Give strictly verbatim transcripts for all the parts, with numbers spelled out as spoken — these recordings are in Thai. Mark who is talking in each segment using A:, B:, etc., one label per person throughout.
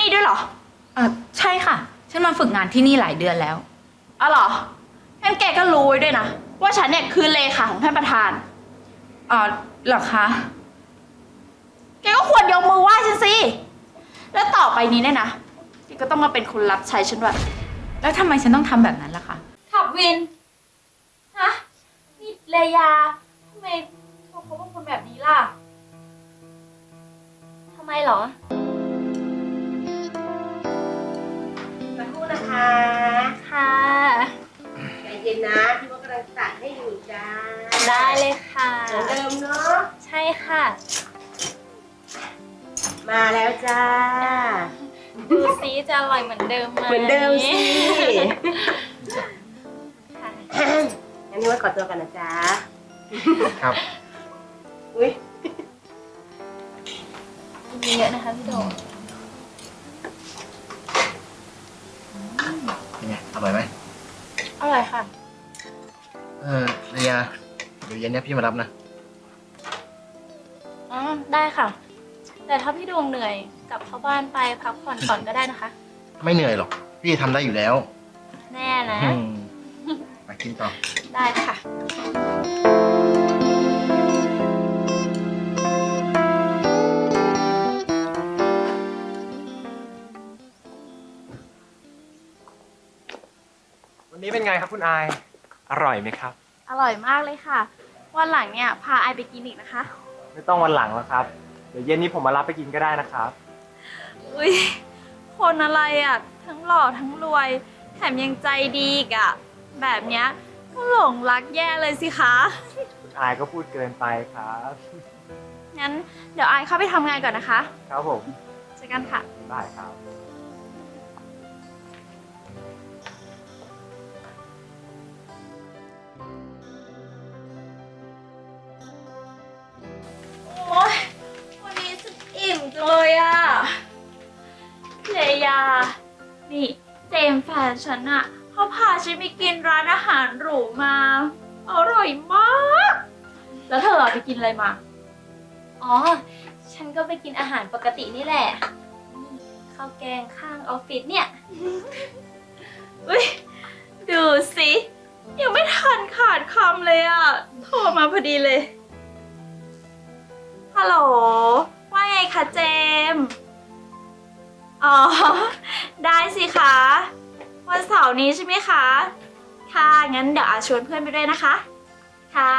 A: นี่ด้วยเหรอ
B: เออใช่ค่ะฉันมาฝึกงานที่นี่หลายเดือนแล้ว
A: อ๋อเหรองั้นแกก็รู้ไว้ด้วยนะว่าฉันเนี่ยคือเลขาของท่านประธาน
B: อ๋อเหรอคะ
A: แกก็ควรยกมือไหว้ฉันสิแล้วต่อไปนี้เนี่ยนะแกก็ต้องมาเป็นคนรับใช้ฉันด้วย
B: แล้วทำไมฉันต้องทำแบบนั้นล่ะคะ
A: ขับวินฮะนี่เลยาทำไมเขาเขาเป็นคนแบบนี้ล่ะ
C: ทำไมเหรอ
D: มาพูดนะคะ
C: ค่ะ
D: ใจเย็นนะที่ว่ากำลังตัดให้อยู่จ้า
C: ได้เลยค่ะ
D: เหมือนเดิมเนาะ
C: ใช่ค่ะ
D: มาแล้วจ้า
C: ดูซิจะอร่อยเหมือนเดิมไหม
D: เหมือนเดิมสิ
C: ค่ะ
D: งั้นนี่ว่าขอตัวกันนะจ๊ะ
E: ครับ
D: อุ้ย
C: กินเยอะนะคะพี่โด
E: เป็นไงอร่อยไหม
C: อร่อยค่ะ
E: เออเรียเดี๋ยวเย็นนี้พี่มารับนะ
C: อ๋อได้ค่ะแต่ถ้าพี่ดวงเหนื่อยกลับเข้าบ้านไปพักผ่อนก่อนก็ได้นะคะ
E: ไม่เหนื่อยหรอกพี่ทำได้อยู่แล้ว
C: แน่นะ
E: มากินต่อ
C: ได้ค่ะ
F: วันนี้เป็นไงครับคุณอายอร่อยไหมครับ
A: อร่อยมากเลยค่ะวันหลังเนี่ยพาไอไปกินอีกนะคะ
F: ไม่ต้องวันหลังแล้วครับเดี๋ยวเย็นนี้ผมมารับไปกินก็ได้นะครับ
A: อุ้ยคนอะไรอ่ะทั้งหล่อทั้งรวยแถมยังใจดีอีกอ่ะแบบเนี้ยก็หลงรักแย่เลยสิคะ
F: คุณอายก็พูดเกินไปครับ
A: งั้นเดี๋ยวไอเข้าไปทำงานก่อนนะคะ
F: ครับผม
A: เจอกันค่ะ
F: ได้ครับ
A: โอ๊ยวันนี้ฉันอิ่มจังเลยอ่ะเลยานี่เจมส์แฟนฉันอ่ะเขาพาฉันไปกินร้านอาหารหรูมาอร่อยมากแล้วเธอไปกินอะไรมา
C: อ๋อฉันก็ไปกินอาหารปกตินี่แหละนี่ข้าวแกงข้างออฟฟิศเนี่ย
A: อุ้ยดูสิยังไม่ทันขาดคำเลยอ่ะโทรมาพอดีเลยฮัลโหลว่าไงคะเจมอ๋อได้สิคะวันเสาร์นี้ใช่ไหมคะค่ะงั้นเดี๋ยวอาชวนเพื่อนไปด้วยนะคะค่ะ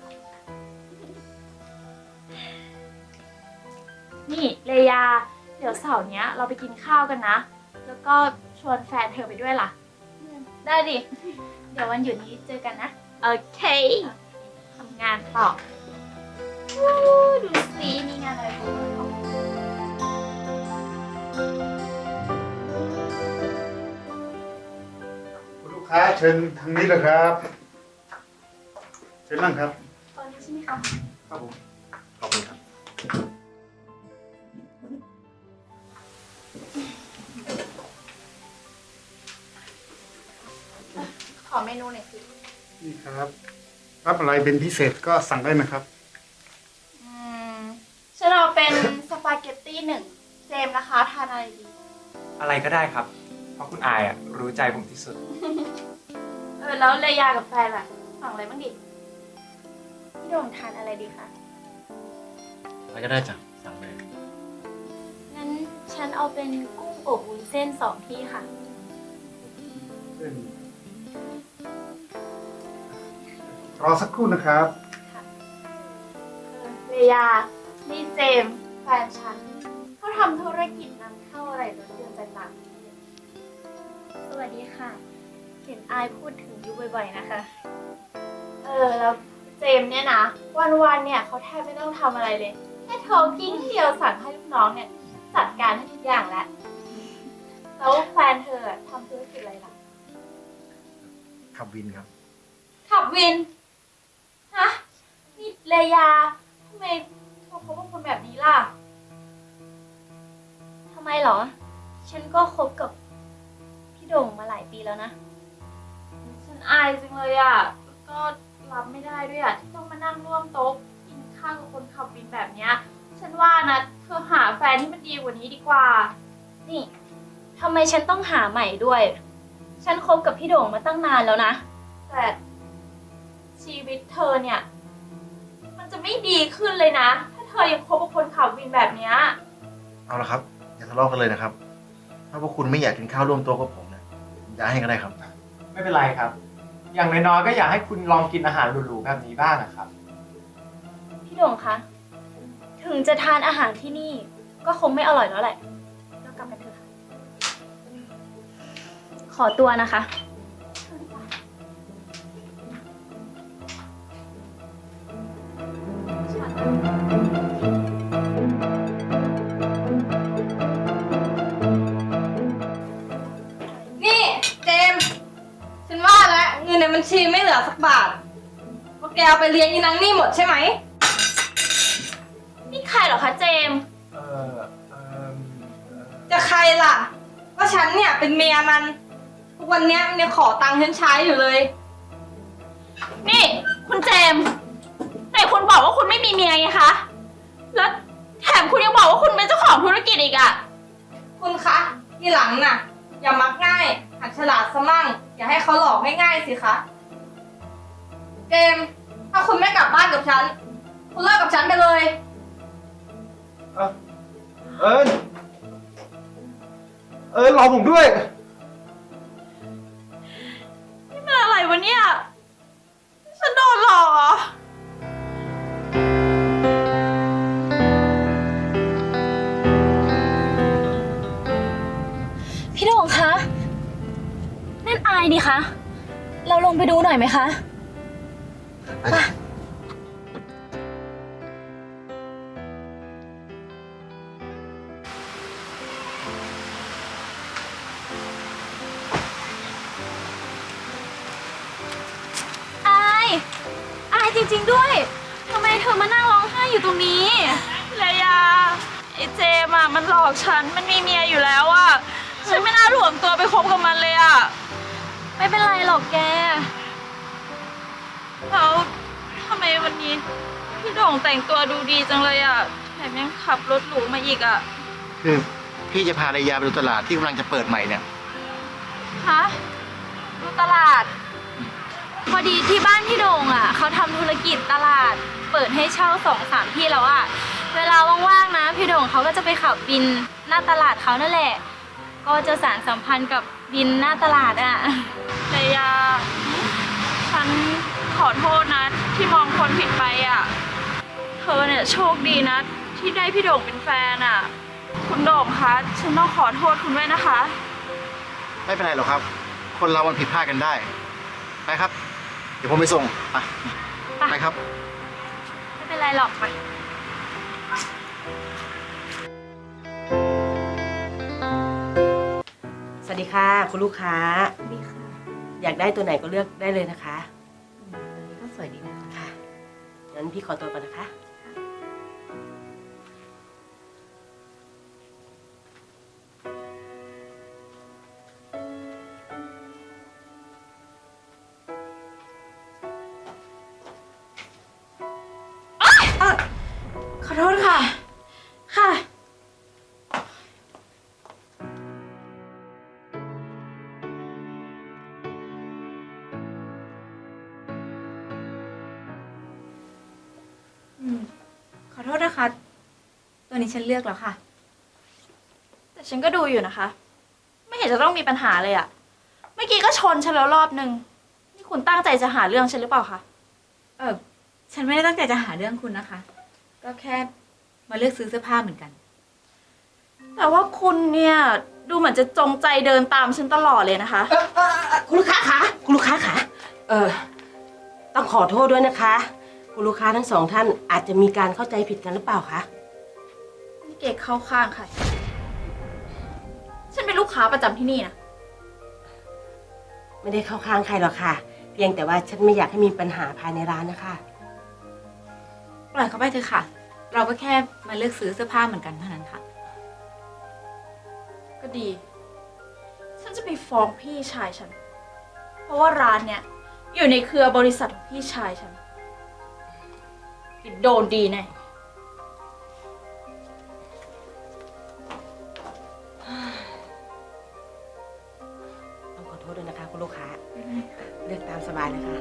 A: นี่เลยาเดี๋ยวเสาร์เนี้ยเราไปกินข้าวกันนะแล้วก็ชวนแฟนเธอไปด้วยล่ะ
C: ได้ดิเดี๋ยววันหยุดนี้เจอกันนะ
A: โอเคทำงานต่อดูสิมีงานอะไรบ้าง
G: คุณลูกค้าเชิญทางนี้เลยครับเชิญนั่งครับ
A: ตอนนี้ใช่ไหมคะ
G: ครับผมขอบคุณครับ
A: ขอเมนูหน่อยสิ
G: นี่ครับรับอะไรเป็นพิเศษก็สั่งได้นะครับ
A: อืมฉันเอาเป็นสปาเกตตี้หนึ่งเจมส์นะคะทานอะไรดี
F: อะไรก็ได้ครับเพราะคุณอายอ่ะรู้ใจผมที่สุด
A: เออแล้วเลยากับแฟนล่ะสั่งอะไรบ้างดิ
C: พี่โดมทานอะไรดีคะ
E: อะไรก็ได้จ้ะสั่งเลย
C: งั้นฉันเอาเป็นกุ้งอบวุ้นเส้นสองที่ค่ะ
G: รอสักครู่นะครับ
A: เลยานี่เจมส์แฟนฉันเขาทำธุรกิจนำเข้าอะไรรถยนต์จากต่างประเทศ
C: สวัสดีค่ะเห็นอายพูดถึงอยู่บ่อยๆนะคะ
A: เออแล้วเจมส์เนี่ยนะวันๆเนี่ยเขาแทบไม่ต้องทำอะไรเลยแค่โทรกิ้งเดียวสั่งให้ลูกน้องเนี่ยจัดการให้ทุกอย่างแล้วแล้วแฟนเธอทำธุรกิจอะไรล่ะ
E: ขับวินครับ
A: ขับวินฮะนี่เลยาทำไมเขาเป็นคนแบบนี้ล่ะ
C: ทำไมเหรอฉันก็คบกับพี่โด่งมาหลายปีแล้วนะ
A: ฉันอายจังเลยอ่ะก็รับไม่ได้ด้วยอ่ะที่ต้องมานั่งร่วมโต๊ะกินข้าวกับคนขับวินแบบเนี้ยฉันว่านะเธอหาแฟนที่มันดีกว่านี้ดีกว่า
C: นี่ทำไมฉันต้องหาใหม่ด้วย ฉันคบกับพี่โด่งมาตั้งนานแล้วนะ
A: แต่ชีวิตเธอเนี่ย มันจะไม่ดีขึ้นเลยนะ ถ้าเธอยังคบกับคนขับวินแบบเนี้ย
E: เอาละครับ อย่าทะเลาะกันเลยนะครับ ถ้าพวกคุณไม่อยากกินข้าวร่วมโต๊ะกับผมเนี่ยผมย้ายให้ก็ได้ครับ
F: ไม่เป็นไรครับ อย่างน้อยๆก็อยากให้คุณลองกินอาหารหรูๆแบบนี้บ้างนะครับ
C: พี่โด่งคะ ถึงจะทานอาหารที่นี่ ก็คงไม่อร่อยแล้วแหละเรากลับกันเถอะค่ะ ขอตัวนะคะ
H: นี่เจมส์ฉันว่าแล้วเงินในบัญชีไม่เหลือสักบาทเพราะแกเอาไปเลี้ยงยีนางนี่หมดใช่ไหม
A: นี่ใครเหรอคะเจมส์
F: เออเออเอ่อ
H: จะใครล่ะก็ฉันเนี่ยเป็นเมียมันทุกวันเนี้ยมันยังขอตังค์ฉันใช้อยู่เลย
A: นี่คุณเจมส์แต่คุณบอกว่าคุณไม่มีเมียไงคะ แล้วแถมคุณยังบอกว่าคุณเป็นเจ้าของธุรกิจอีกอะ
H: คุณคะทีหลังน่ะ อย่ามักง่ายหัดฉลาดซะมั่งอย่าให้เขาหลอกง่ายๆสิคะเจมส์ถ้าคุณไม่กลับบ้านกับฉันคุณเลิกกับฉันไปเลย
F: เอ้าเอิญเอิญรอผมด้วย
A: นี่มันอะไรวะเนี่ย ฉันโดนหลอกเหรอ
C: พี่โด่งคะ นั่นอายนี่คะ เราลงไปดูหน่อยไหมคะ อาย อายจริงๆด้วย ทำไมเธอมานั่งร้องไห้อยู่ตรงนี้
A: เลยาไอ้เจมอะมันหลอกฉัน มันมีเมียอยู่แล้วอะฉันไม่น่าหลวมตัวไปคบกับมันเลยอะ
C: ไม่เป็นไรหรอกแก
A: แล้วทำไมวันนี้พี่โด่งแต่งตัวดูดีจังเลยอะแถมยังขับรถหรูมาอีกอะ
E: คือพี่จะพาระยาไปดูตลาดที่กำลังจะเปิดใหม่เนี่ย
A: ฮะดูตลาด
C: พอดีที่บ้านพี่โด่งอ่ะเขาทำธุรกิจตลาด เปิดให้เช่าสองสามที่แล้วอ่ะ เวลาว่างๆนะพี่โด่งเขาก็จะไปขับบินหน้าตลาดเขานั่นแหละ ก็จะสานสัมพันธ์กับบินหน้าตลาดอ่ะ
A: เลยาฉันขอโทษนะที่มองคนผิดไปอ่ะ เธอเนี่ยโชคดีนะที่ได้พี่โด่งเป็นแฟนอ่ะ คุณโด่งคะฉันต้องขอโทษคุณด้วยนะคะ
E: ไม่เป็นไรหรอกครับ คนเรามันผิดพลาดกันได้ ไปครับ เดี๋ยวผมไปส่ง ไป ไปครับ
C: ไม่เป็นไรหรอกไป
D: สวัสดีค่ะ คุณลูกค้า
B: ดีค่ะ
D: อยากได้ตัวไหนก็เลือกได้เลยนะคะ
B: ตัวนี้ก็สวยดีนะคะ
D: ค่ะงั้นพี่ขอตัวก่อนนะคะ
A: ขอโทษค่ะ ค่ะ
B: อืม ขอโทษนะคะ ตัวนี้ฉันเลือกแล้วค่ะ
A: แต่ฉันก็ดูอยู่นะคะ ไม่เห็นจะต้องมีปัญหาเลยอะเมื่อกี้ก็ชนฉันแล้วรอบนึง นี่คุณตั้งใจจะหาเรื่องฉันหรือเปล่าคะ
B: เออ ฉันไม่ได้ตั้งใจจะหาเรื่องคุณนะคะ ก็แค่มาเลือกซื้อเสื้อผ้าเหมือนกัน
A: แต่ว่าคุณเนี่ย ดูเหมือนจะจงใจเดินตามฉันตลอดเลยนะคะ
D: เอ่อเอ่อเอ่อคุณลูกค้าคะคุณลูกค้าคะเออต้องขอโทษด้วยนะคะ คุณลูกค้าทั้งสองท่านอาจจะมีการเข้าใจผิดกันหรือเปล่าคะ
A: นี่เก๋เข้าข้างใคร ฉันเป็นลูกค้าประจำที่นี่นะ
D: ไม่ได้เข้าข้างใครหรอกค่ะ เพียงแต่ว่าฉันไม่อยากให้มีปัญหาภายในร้านนะคะ
B: ปล่อยเขาไปเถอะค่ะ เราก็แค่มาเลือกซื้อเสื้อผ้าเหมือนกันเท่านั้นค่ะ
A: ก็ดี ฉันจะไปฟ้องพี่ชายฉัน เพราะว่าร้านเนี่ย อยู่ในเครือบริษัทของพี่ชายฉันโดนดีแน่
D: เ
B: บายๆนะคะ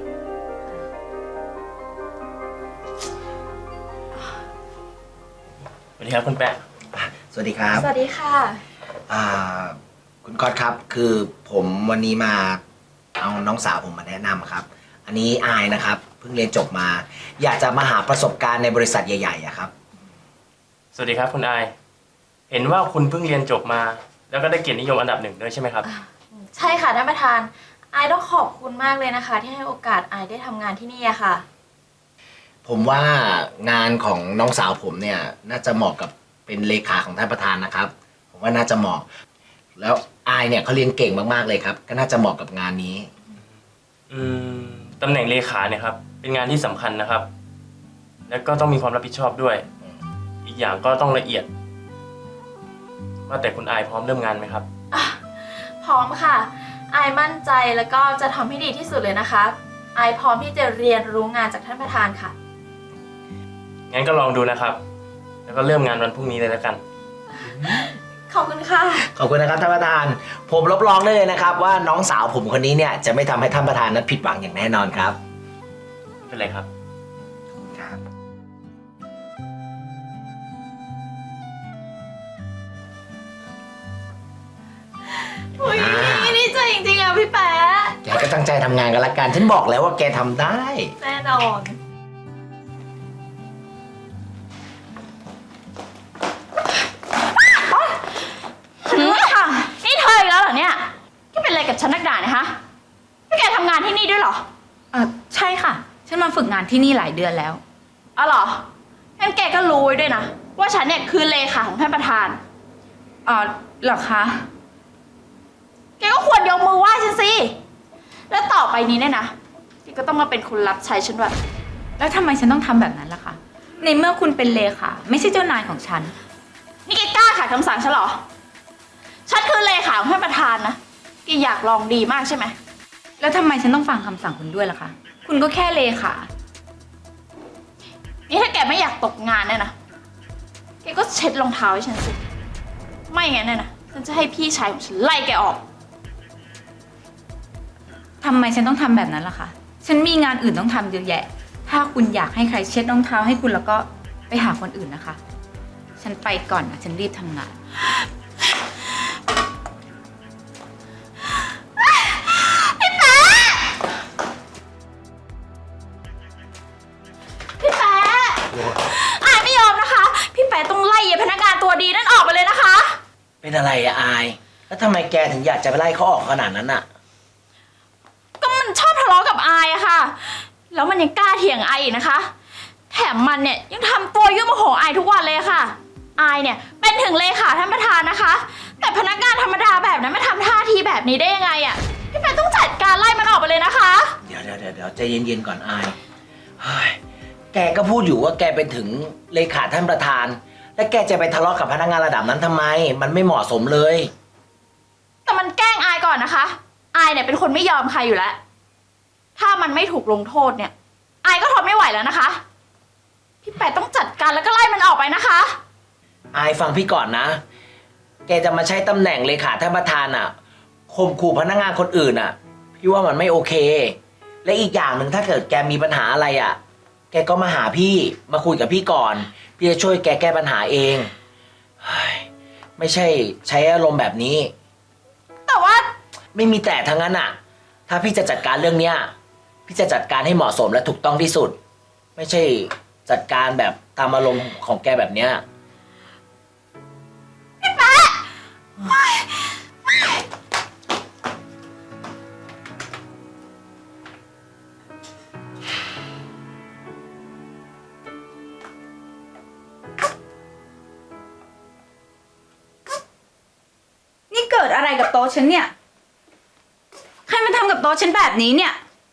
I: สวัสดีครับคุณแปะ
J: สวัสดีครับ
A: สวัสดีค่ะ
J: อ่าคุณก๊อตครับ คือผมวันนี้มาเอาน้องสาวผมมาแนะนำครับ อันนี้อายนะครับเพิ่งเรียนจบมา อยากจะมาหาประสบการณ์ในบริษัทใหญ่ๆอะครับ
I: สวัสดีครับคุณอาย เห็นว่าคุณเพิ่งเรียนจบมา แล้วก็ได้เกียรตินิยมอันดับหนึ่งด้วยใช่ไหมครับ
A: ใช่ค่ะท่านประธานอายต้องขอบคุณมากเลยนะคะ ที่ให้โอกาสอายได้ทำงานที่นี่อะค่ะ
J: ผมว่างานของน้องสาวผมเนี่ยน่าจะเหมาะกับเป็นเลขาของท่านประธานนะครับ ผมว่าน่าจะเหมาะ แล้วอายเนี่ยเขาเรียนเก่งมากๆเลยครับ ก็น่าจะเหมาะกับงานนี้
I: อืมตำแหน่งเลขาเนี่ยครับ เป็นงานที่สำคัญนะครับ แล้วก็ต้องมีความรับผิดชอบด้วย อีกอย่างก็ต้องละเอียด ว่าแต่คุณอายพร้อมเริ่มงานไหมครับ
A: พร้อมค่ะอายมั่นใจแล้วก็จะทำให้ดีที่สุดเลยนะคะอายพร้อมที่จะเรียนรู้งานจากท่านประธานค่ะ
I: งั้นก็ลองดูนะครับ แล้วก็เริ่มงานวันพรุ่งนี้เลยแล้วกัน
A: ขอบคุณค่ะ
J: ขอบคุณนะครับท่านประธาน ผมรับรองได้เลยนะครับ ว่าน้องสาวผมคนนี้เนี่ยจะไม่ทำให้ท่านประธานนั้นผิดหวังอย่างแน่นอนครับ
I: ไม่เป็นไรครับ
J: ครับ
A: อุ้ยดีใจจริงๆอะพี่แป๊ะ
J: แกก็ตั้งใจทำงานกันละกัน ฉันบอกแล้วว่าแกทำได้
A: แน่นอน
B: หืมค่ะ
A: นี่เธออีกแล้วเหรอเนี่ยแกเป็นอะไรกับฉันนักด่าเนี่ยฮะนี่แกทำงานที่นี่ด้วยเหรอ
B: เออใช่ค่ะ ฉันมาฝึกงานที่นี่หลายเดือนแล้ว
A: อ๋อเหรองั้นแกก็รู้ไว้ด้วยนะว่าฉันเนี่ยคือเลขาของท่านประธาน
B: อ๋อเหรอคะ
A: แกก็ควรยกมือไหว้ฉันสิ แล้วต่อไปนี้เนี่ยนะแกก็ต้องมาเป็นคนรับใช้ฉันด้วย
B: แล้วทำไมฉันต้องทำแบบนั้นล่ะคะ ในเมื่อคุณเป็นเลขาไม่ใช่เจ้านายของฉัน
A: นี่แกกล้าขัดคำสั่งฉันเหรอ ฉันคือเลขาของท่านประธานนะแกอยากลองดีมากใช่ไหม
B: แล้วทำไมฉันต้องฟังคำสั่งคุณด้วยล่ะคะ คุณก็แค่เลขา
A: นี่ถ้าแกไม่อยากตกงานเนี่ยนะ แกก็เช็ดรองเท้าให้ฉันสิ ไม่งั้นเนี่ยนะ ฉันจะให้พี่ชายของฉันไล่แกออก
B: ทำไมฉันต้องทำแบบนั้นล่ะคะ ฉันมีงานอื่นต้องทำเยอะแยะ ถ้าคุณอยากให้ใครเช็ดรองเท้าให้คุณแล้วก็ไปหาคนอื่นนะคะ ฉันไปก่อนนะ ฉันรีบทำงาน
A: พี่แป๊ะอายไม่ยอมนะคะ พี่แป๊ะต้องไล่พนักงานตัวดีนั่นออกไปเลยนะคะ
J: เป็นอะไรอะอาย แล้วทำไมแกถึงอยากจะไปไล่เขาออกขนาดนั้นอะ
A: ก็มันชอบทะเลาะกับอายอะค่ะ แล้วมันยังกล้าเถียงอายอีกนะคะ แถมมันเนี่ยยังทำตัวยุ่งโมโหอายทุกวันเลยค่ะ อายเนี่ยเป็นถึงเลขาท่านประธานนะคะ แต่พนักงานธรรมดาแบบนั้นไม่ทำท่าทีแบบนี้ได้ยังไงอะพี่แป๊ะต้องจัดการไล่มันออกไปเลยนะคะ
J: เดี๋ยวเดี๋ยวเดี๋ยวเดี๋ยวใจเย็นๆก่อนอายเฮ้ยแกก็พูดอยู่ว่าแกเป็นถึงเลขาท่านประธาน แล้วแกจะไปทะเลาะกับพนักงานระดับนั้นทำไม มันไม่เหมาะสมเลย
A: แต่มันแกล้งอายก่อนนะคะ อายเนี่ยเป็นคนไม่ยอมใครอยู่แล้ว ถ้ามันไม่ถูกลงโทษเนี่ย อายก็ทนไม่ไหวแล้วนะคะ พี่แปะต้องจัดการแล้วก็ไล่มันออกไปนะคะ
J: อายฟังพี่ก่อนนะ แกจะมาใช้ตำแหน่งเลขาท่านประธานอะข่มขู่พนักงานคนอื่นอะพี่ว่ามันไม่โอเค และอีกอย่างหนึ่งถ้าเกิดแกมีปัญหาอะไรอะแกก็มาหาพี่มาคุยกับพี่ก่อน พี่จะช่วยแกแก้ปัญหาเองเฮ้ยไม่ใช่ใช้อารมณ์แบบนี้
A: แต่ว่า
J: ไม่มีแต่ทั้งนั้นอะถ้าพี่จะจัดการเรื่องเนี้ยพี่จะจัดการให้เหมาะสมและถูกต้องที่สุด ไม่ใช่จัดการแบบตามอารมณ์ของแกแบบเนี้ย
B: นี่เกิดอะไรกับโต๊ะฉันเนี่ย ใครมาทำกับโต๊ะฉันแบบนี้เนี่ย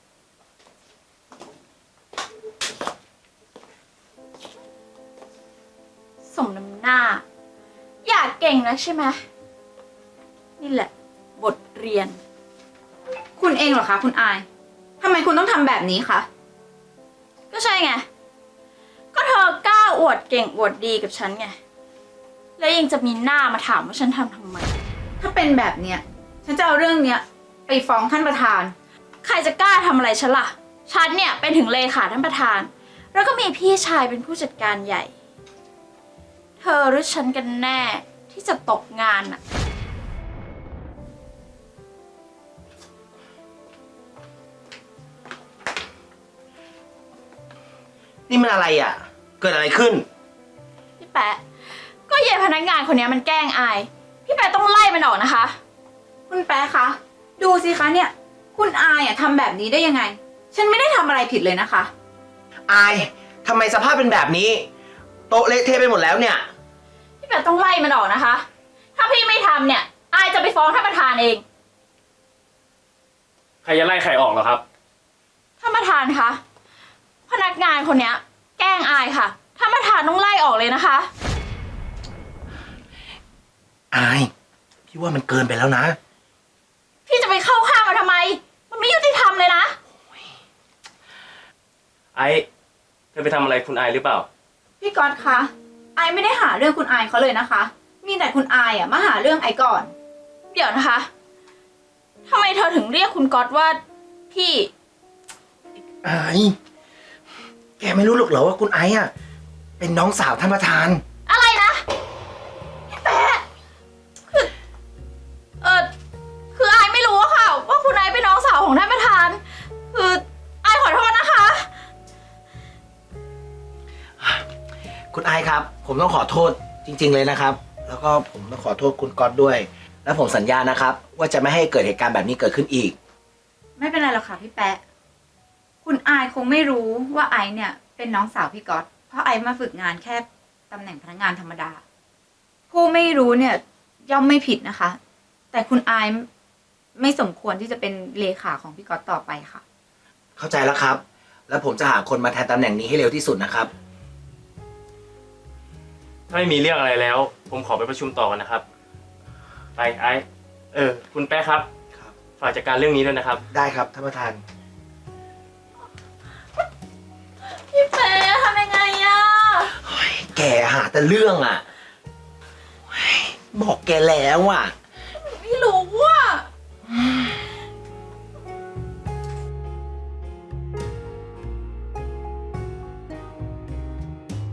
A: สมน้ำหน้า อยากเก่งนะใช่ไหมนี่แหละ บทเรียน
B: คุณเองเหรอคะคุณอาย ทำไมคุณต้องทำแบบนี้คะ
A: ก็ใช่ไง ก็เธอกล้าอวดเก่งอวดดีกับฉันไง แล้วยังจะมีหน้ามาถามว่าฉันทำทำไม
B: ถ้าเป็นแบบเนี้ย ฉันจะเอาเรื่องเนี้ยไปฟ้องท่านประธาน
A: ใครจะกล้าทำอะไรฉันล่ะ ฉันเนี่ยเป็นถึงเลขาท่านประธาน แล้วก็มีพี่ชายเป็นผู้จัดการใหญ่ เธอหรือฉันกันแน่ที่จะตกงานน่ะ
J: นี่มันอะไรอ่ะ เกิดอะไรขึ้น
A: พี่แปะ ก็เย่พนักงานคนนี้มันแกล้งอาย พี่แปะต้องไล่มันออกนะคะ
B: คุณแป๊ะคะ ดูสิคะเนี่ย คุณอายอะทำแบบนี้ได้ยังไง ฉันไม่ได้ทำอะไรผิดเลยนะคะ
J: อายทำไมสภาพเป็นแบบนี้ โต๊ะเละเทะไปหมดแล้วเนี่ย
A: พี่แปะต้องไล่มันออกนะคะ ถ้าพี่ไม่ทำเนี่ย อายจะไปฟ้องท่านประธานเอง
I: ใครจะไล่ใครออกเหรอครับ
A: ท่านประธานคะ พนักงานคนเนี้ย แกล้งอายค่ะ ท่านประธานต้องไล่ออกเลยนะคะ
J: อาย พี่ว่ามันเกินไปแล้วนะ
A: พี่จะไปเข้าข้างมันทำไม มันไม่ยุติธรรมเลยนะ
I: ไอ้เธอไปทำอะไรคุณไอหรือเปล่า
B: พี่ก๊อตคะไอไม่ได้หาเรื่องคุณอายเขาเลยนะคะ มีแต่คุณอายอะมาหาเรื่องไอก่อน
A: เดี๋ยวนะคะทำไมเธอถึงเรียกคุณก๊อตว่าพี่
J: อาย แกไม่รู้หรอกเหรอว่าคุณไอ้อะเป็นน้องสาวท่านประธาน
A: อะไรนะพี่แป๊ะคือเออคืออายไม่รู้อะค่ะ ว่าคุณนายเป็นน้องสาวของท่านประธาน คืออายขอโทษนะคะ
J: คุณไอายครับ ผมต้องขอโทษจริง ๆ เลยนะครับ แล้วก็ผมต้องขอโทษคุณก๊อตด้วย และผมสัญญานะครับ ว่าจะไม่ให้เกิดเหตุการณ์แบบนี้เกิดขึ้นอีก
B: ไม่เป็นไรหรอกค่ะพี่แป๊ะ คุณอายคงไม่รู้ว่าไอเนี่ยเป็นน้องสาวพี่ก๊อต เพราะไอมาฝึกงานแค่ตำแหน่งพนักงานธรรมดา ผู้ไม่รู้เนี่ยย่อมไม่ผิดนะคะ แต่คุณอายไม่สมควรที่จะเป็นเลขาของพี่ก๊อตต่อไปค่ะ
J: เข้าใจแล้วครับ แล้วผมจะหาคนมาแทนตำแหน่งนี้ให้เร็วที่สุดนะครับ
I: ถ้าไม่มีเรื่องอะไรแล้ว ผมขอไปประชุมต่อกันนะครับ ไปไอ้เออ คุณแป๊ะครับ
J: ครับ
I: ฝากจัดการเรื่องนี้ด้วยนะครับ
J: ได้ครับท่านประธาน
A: พี่แป๊ะทำยังไงอะ
J: แกหาแต่เรื่องอ่ะ บอกแกแล้วอ่ะ